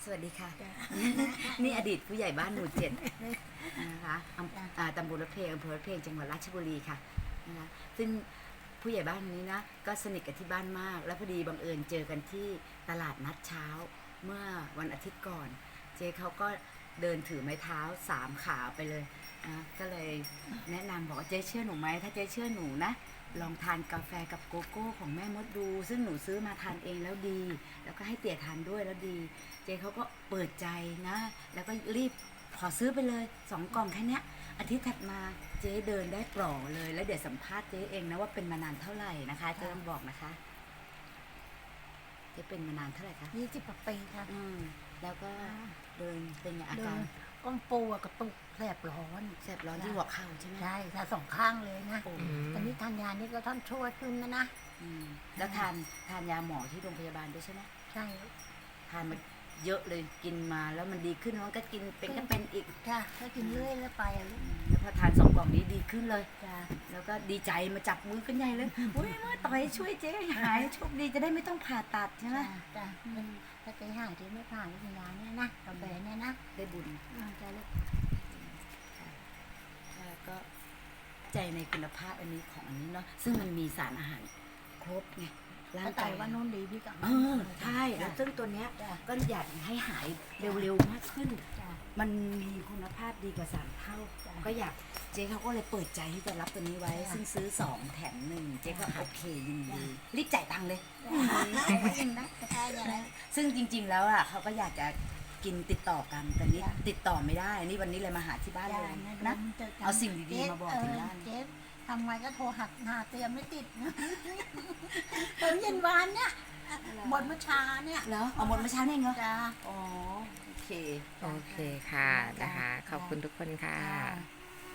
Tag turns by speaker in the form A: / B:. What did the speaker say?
A: สวัสดีค่ะ นี่อดีตผู้ใหญ่บ้านหมู่7นะคะตำบลรถเพลงอำเภอรถเพลงจังหวัดราชบุรีค่ะนะคะซึ่งผู้ใหญ่บ้านนี้นะก็สนิทกับที่บ้านมาก แล้วพอดีบังเอิญเจอกันที่ตลาดนัดเช้าเมื่อวันอาทิตย์ก่อน เจ๊เขาก็เดินถือไม้เท้า3 ขาไปเลยก็เลยแนะนำบอกว่าเจ๊เชื่อหนูไหมถ้าเจ๊เชื่อหนูนะลองทานกาแฟกับโกโก้ของแม่มดดู ซึ่งหนูซื้อมาทานเองแล้วดี แล้วก็ให้เตี่ยทานด้วยแล้วดี เจ๊เขาก็เปิดใจนะ แล้วก็รีบขอซื้อไปเลย2 กล่องแค่นี้อาทิตย์ถัดมาเจ๊เดินได้ปล่อเลยแล้วเดี๋ยวสัมภาษณ์เจ๊เองนะว่าเป็นมานานเท่าไหร่นะคะเจ๊ต้องบอกนะคะเจ๊เป็นมานานเท่าไหร่คะ
B: 20 กว่าปีค่ะ
A: แล้วก็เดินเป็นไงอา
B: เดิ
A: การ
B: นก้นปูกระตุกแสบร้อน
A: ที่หัวเข่าใช่ไหม
B: ใช่ค่ะ2 ข้างเลยนะตอนนี้ทานยานี่ก็ท่านช่วยขึ้นนะ
A: แล้วทานยาหมอที่โรงพยาบาลด้วยใช่ไหม
B: ใช่
A: ทานมาเยอะเลยกินมาแล้วมันดีขึ้นแล้วก็กินเป็นก็เป็นอีก
B: ค่ะก็กินเรื่อยแล้วไป
A: แล้วพอทาน2 กล่องนี้ดีขึ้นเลยแล้วก็ดีใจมาจับมือกันใหญ่เลยอุ้ยมาต่อยช่วยเจ๊หายโชคดีจะได้ไม่ต้องผ่าตัดใช่ไหม
B: จ้ะถ้าเจ๊หายที่ไม่ผ่านวิญญาณเนี่ยนะกาแฟเนี่ยนะ
A: ได้บุญ
B: จะลูก
A: ก็ใจในคุณภาพอันนี้ของอันนี้เนาะซึ่งมันมีสารอาหารครบไง
B: ร่างกายว่านุ่นดีพี่กับ
A: ใช่แล้วซึ่งตัวเนี้ยก็อยากให้หายเร็วๆมากขึ้นมันมีคุณภาพดีกว่า3 เท่าก็อยากเจ๊เขาก็เลยเปิดใจที่จะรับตัวนี้ไว้ซึ่งซื้อ2 แถม 1เจ๊ก็โอเคยินดีรีบจ่ายตังค์เลยซึ่งจริงๆแล้วอ่ะเขาก็อยากจะกินติดต่อกันแต่นี้ติดต่อไม่ได้นี่วันนี้เลยมาหาที่บ้านเลยนะเอาสิ่งดีๆมาบอกถึงบ้าน
B: ทำไงก็โทรหาเตรียมไม่ติดนะตอนเย็นวานเนี่ยหมดเมื่อเช้าเนี่ย
A: เหรอเอาหมดเมื่อเช้าเนี่ยเหรอ
B: จ้า
A: อ๋อโอเค
C: ค่ะนะคะขอบคุณทุกคนค่ะ